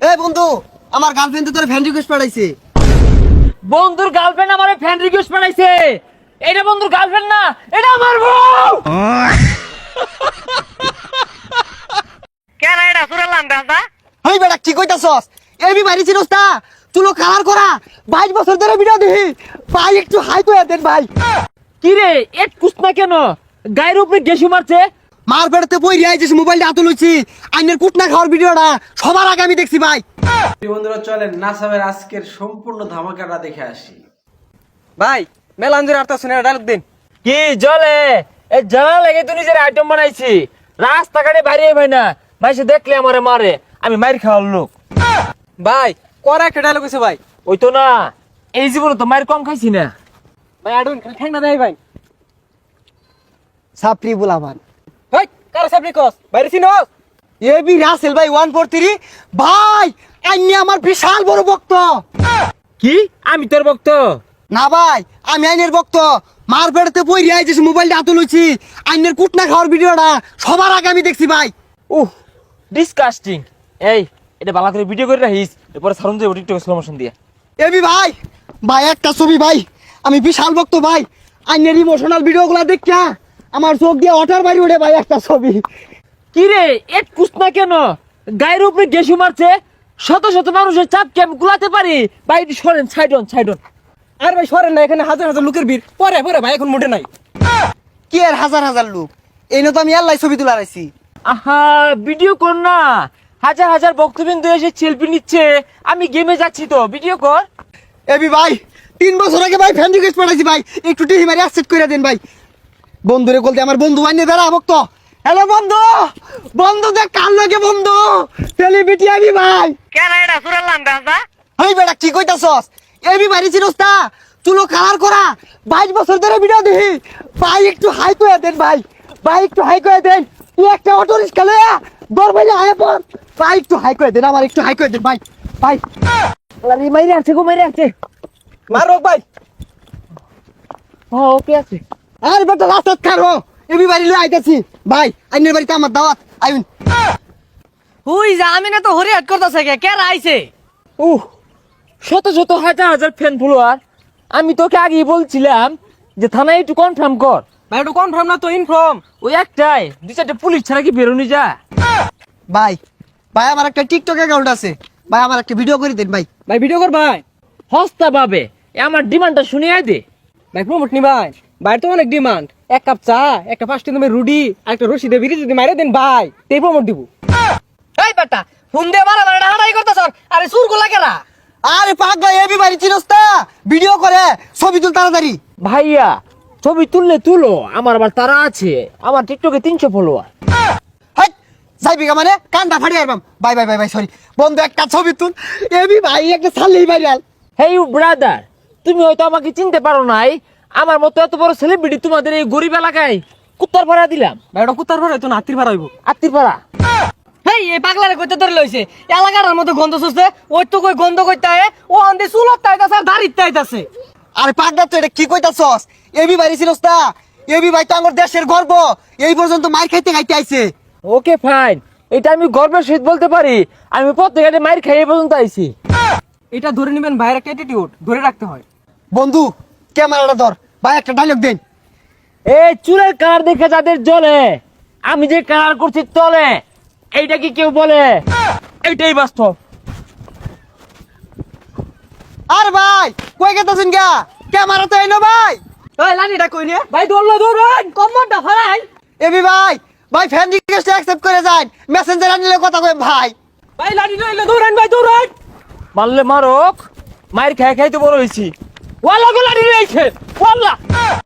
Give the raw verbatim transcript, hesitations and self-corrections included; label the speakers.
Speaker 1: এ বন্ধু, আমার গার্লফ্রেন্ড তো তোর ফ্রেন্ড রিকোয়েস্ট পাঠাইছে।
Speaker 2: বন্ধুর গার্লফ্রেন্ড আমারে ফ্রেন্ড রিকোয়েস্ট পাঠাইছে। এটা বন্ধুর গার্লফ্রেন্ড না, এটা আমার বউ।
Speaker 3: কেন এটা সুরালাম দাদা?
Speaker 1: হেই বেটা কি কইতাছস? এবি মারি চিনস তা? চুলো কালার করা বাইশ বছর ধরে ভিডিও দেখি। ভাই একটু হাই কইয়া দেন ভাই।
Speaker 2: কি রে এক কুসনা কেন গায়ের উপরে গেসু মারছে?
Speaker 1: মার পেড়তে বই রিয়াই যে মোবাইলটা হাতে লইছি, আইনের কুটনা খাওয়ার ভিডিওটা সবার আগে আমি দেখছি ভাই।
Speaker 4: বন্ধুরা চলেন নাসামের আজকের সম্পূর্ণ ধামাকাটা দেখে আসি।
Speaker 5: ভাই মেলা আন্দরে আর্তা শুনে ডায়লগ দিন।
Speaker 2: কি জলে এই জ্বালা লেগে তুই নিজের আইটেম বানাইছি, রাস্তাঘাটে বাইরে ভাই না ভাই, সে দেখলে আমারে মারে, আমি মার খাওয়ার লোক।
Speaker 5: ভাই করা একটা ডায়লগ আছে ভাই।
Speaker 2: ওই তো না, এই জীবনে তো মার কম খাইছি না।
Speaker 5: ভাই আডুন ঠ্যাং না দেয় ভাই।
Speaker 1: সাপ্রি বুলামান
Speaker 5: ভাই কার সাবনি কস বাইরে চিনোস?
Speaker 1: এবি রাসেল ভাই ওয়ান ফোর থ্রি ভাই, আইনি আমার বিশাল বড় ভক্ত।
Speaker 2: কি আমি তোর ভক্ত?
Speaker 1: না ভাই, আমি আইনের ভক্ত। মার পেড়তে বই রিয়াই যে মোবাইলটা হাতে লইছি, আইনের কুটনা খাওয়ার ভিডিওটা সবার আগে আমি দেখছি ভাই।
Speaker 2: Uh disgusting. এই এটা ভালো করে ভিডিও করে রাখিস, এরপরে সারুন যাবো টিকটকে স্লো মোশন দিয়ে।
Speaker 1: এবি ভাই, ভাই একটা ছবি ভাই, আমি বিশাল ভক্ত ভাই। আইনের ইমোশনাল ভিডিওগুলো দেখা আমার চোখ দিয়ে ওঠার বাড়ি ওঠে ভাই একটা ছবি।
Speaker 2: কি রে এক কুসনা কেন গায়ের উপরে গেসু মারছে? শত শত মানুষের চাপকে আমি গুলাতে পারি ভাই। সরেন সাইডন সাইডন।
Speaker 5: আর ভাই সরেন না, এখানে হাজার হাজার লোকের ভিড়। পরে পরে ভাই এখন মোটে নাই।
Speaker 1: কি আর হাজার হাজার লোক, এই তো আমি আল্লাহ ছবি তুলে রাখছি।
Speaker 2: আহা ভিডিও কর না, হাজার হাজার বক্তবিন্দু এসে সেলফি নিচ্ছে, আমি গেমে যাচ্ছি তো ভিডিও কর।
Speaker 1: এবি ভাই তিন বছর আগে ভাই ফ্যান রিকোয়েস্ট পাঠাইছি ভাই, একটু টিহি মারি অ্যাকসেপ্ট করে দেন ভাই। বন্ধুরে বলতে আমার বন্ধু আইনে দাঁড়া ভক্ত। হ্যালো বন্ধু, বন্ধু দেখ কার লাগে বন্ধু, সেলিব্রিটি আমি ভাই।
Speaker 3: কেন এটা সুরালাম দাদা?
Speaker 1: হেই বেটা কি কইতাছস? এবি মারি চিনস তা? চুলো কালার করা বাইশ বছর ধরে ভিডিও দেখি। ভাই একটু হাই কইয়া দেন ভাই, ভাই একটু হাই কইয়া দেন। তুই একটা অটো রিক্সা লইয়া দর ভাই আয় পর, ভাই একটু হাই কইয়া দেন, আমার একটু হাই কইয়া দেন ভাই। ভাই
Speaker 2: আরে মাইরে আছে গো, মাইরে আছে।
Speaker 5: মারো ভাই।
Speaker 2: ও ওকে আছে।
Speaker 1: আর বেটা রাস্তাত খারো, এবি বাড়ি লই আইতাছি ভাই। আইনের বাড়িতে আমার দাওয়াত আইন।
Speaker 3: হুই যা, আমি না তো হরি হাট করতেছে কে কে আইছে?
Speaker 2: উহ শত শত হাজার হাজার ফ্যান ফলোয়ার। আমি তোকে আগেই বলছিলাম যে থানায় একটু কনফার্ম কর।
Speaker 5: ভাই একটু কনফার্ম না তো ইনফর্ম।
Speaker 2: ওই একটাই দুই চারটে পুলিশ ছাড়া কি বেরোনি যা?
Speaker 1: ভাই ভাই আমার একটা টিকটক অ্যাকাউন্ট আছে ভাই, আমার একটা ভিডিও করে দেন ভাই।
Speaker 5: ভাই ভিডিও কর ভাই।
Speaker 2: হস্তা পাবে, আমার ডিমান্ডটা শুনে আয় দে।
Speaker 5: ভাই প্রমোট নি ভাই। ভাই তো অনেক ডিমান্ড। এক কাপ চা, একটা পাঁচটি দামের রুডি, আর একটা রশি দিয়ে বিড়ি যদি মাইরে দেন ভাই, তেই প্রমোট দিব।
Speaker 3: এই বেটা ফোন দিয়ে মারা মারা হাঁটাই করতেছ। আরে সুর গোলা কেরা?
Speaker 1: আরে পাগলা এবি বাড়ি চিনস তা? ভিডিও করে ছবি তুল তাড়াতাড়ি।
Speaker 2: ভাইয়া ছবি তুললে তুলো, আমার আবার তারা আছে, আমার টিকটকে তিনশো ফলোয়ার।
Speaker 1: হাই যাইবি গা মানে কান্দা ফাড়ি আইবাম। Bye bye bye bye sorry বন্ধু, একটা ছবি তুল। এবি ভাই একটা ছাড়লেই ভাইরাল।
Speaker 2: হেই ইউ ব্রাদার, তুমি হয়তো আমাকে চিনতে পারো নাই, আমার মতো এত বড় সেলিব্রিটি তোমাদের এই গরিব এলাকায় কুত্তার ভাড়া দিলাম।
Speaker 5: ভাই ওটা কুত্তার ভাড়া তো না, হাতির ভাড়া হইব।
Speaker 2: আত্মীর ভাড়া।
Speaker 3: হেই এই পাগলারে কইতে ধরে লইছে, এলাকার মধ্যে গন্ধ শুষছে। ওই তো কই গন্ধ কইতে আয়, ও আন্দে চুলত তাইতাছে আর দাড়িত তাইতাছে।
Speaker 1: আরে পাগলা তো এটা কি কইতাছস? এবি বাড়ি চিনস তা? এবি ভাই তো আমার দেশের গর্ব, এই পর্যন্ত মার খাইতে খাইতে আইছে।
Speaker 2: ওকে ফাইন, এটা আমি গর্বের সহিত বলতে পারি, আমি প্রত্যেকটা মাইর খাই এই পর্যন্ত আইছি।
Speaker 5: এটা ধরে নেবেন ভাইয়ের একটা অ্যাটিটিউড, ধরে রাখতে হয়।
Speaker 1: বন্ধু ক্যামেরাটা ধর ভাই, একটা ডায়লগ দেন।
Speaker 2: এই চুলের কালার দেখে যাদের জ্বলে, আমি যে কালার করছি তলে, এইটা কি কেউ বলে? এইটাই বাস্তব।
Speaker 1: আর ভাই কই গেতাছেন গা? ক্যামেরা তো এনো ভাই।
Speaker 3: ওই লানিটা কই নে?
Speaker 5: ভাই দৌড়লো দৌড়ান।
Speaker 3: কম্বরটা ফরাই।
Speaker 1: এবি ভাই ভাই ফ্যান রিকোয়েস্ট অ্যাকসেপ্ট করে যান, মেসেঞ্জার আনিলে কথা কই ভাই।
Speaker 5: ভাই লাঠি লইলে দৌড়ান ভাই দৌড়ান।
Speaker 2: মারলে মারক, মায়ের খাই খাই তো বড় হয়েছি। ওয়াল্লা গোলা নিয়ে ওয়াল্লা